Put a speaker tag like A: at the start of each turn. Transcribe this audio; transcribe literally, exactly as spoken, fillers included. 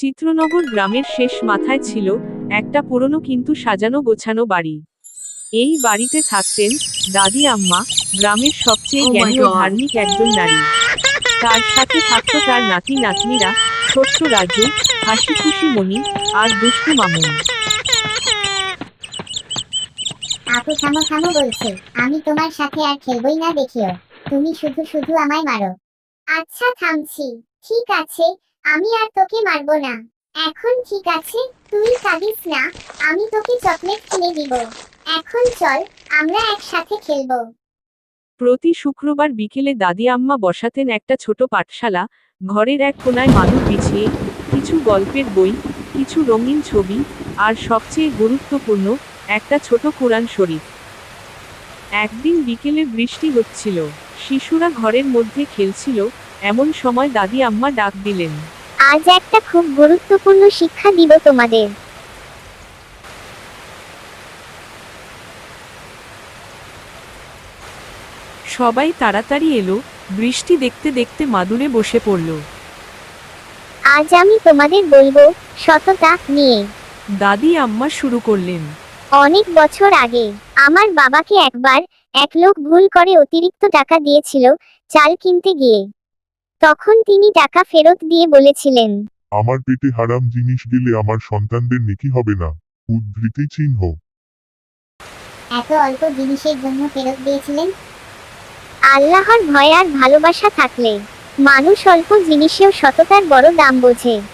A: চিত্রনগর গ্রামের শেষ মাথায় ছিল একটা পুরনো কিন্তু সাজানো গোছানো বাড়ি। এই বাড়িতে থাকতেন দাদি আম্মা, গ্রামের সবচেয়ে
B: Oh my
A: জ্ঞানী ও
B: God!
A: ধার্মিক একজন নারী। তার সাথে থাকতো তার নাতি নাতনিরা, ছোট্ট রাজু, হাসি খুশি মনি, আর দুষ্টু মামুন।
C: আপু থামো থামো বলছি, আমি তোমার সাথে আর খেলবই না দেখিও। তুমি শুধু শুধু আমায় মারো। আচ্ছা থামছি। ঠিক আছে, আমি আর তোকে মারবো না। এখন ঠিক আছে, তুই কাঁদিস না, আমি তোকে চকলেট কিনে দিব। এখন চল, আমরা একসাথে খেলবো।
A: প্রতি শুক্রবার বিকেলে দাদি আম্মা বসাতেন একটা ছোট পাঠশালা, ঘরের এক কোনায় মাদুর বিছিয়ে, কিছু গল্পের বই, কিছু রঙিন ছবি, আর সবচেয়ে গুরুত্বপূর্ণ, একটা ছোট কোরআন শরীফ। একদিন বিকেলে বৃষ্টি হচ্ছিল, শিশুরা ঘরের মধ্যে খেলছিল, এমন সময় দাদি আম্মা ডাক দিলেন।
C: আজ একটা খুব গুরুত্বপূর্ণ শিক্ষা দিব তোমাদের।
A: সবাই তাড়াতাড়ি এলো, বৃষ্টি দেখতে দেখতে মাদুরে বসে পড়ল।
C: আজ আমি তোমাদের বলবো সততা নিয়ে।
A: দাদি আম্মা শুরু করলেন।
C: অনেক বছর আগে আমার বাবাকে একবার এক লোক ভুল করে অতিরিক্ত টাকা দিয়েছিল চাল কিনতে গিয়ে। তখন তিনি টাকা ফেরত দিয়ে বলেছিলেন,
D: আমার পেটে হারাম জিনিস গেলে আমার সন্তানদের নেকি হবে না। উদ্ধৃতি চিহ্ন।
C: এত অল্প জিনিসের জন্য ফেরত দিয়েছিলেন? আল্লাহর ভয় আর ভালোবাসা থাকলে মানুষ অল্প জিনিসেও সততার বড় দাম বোঝে।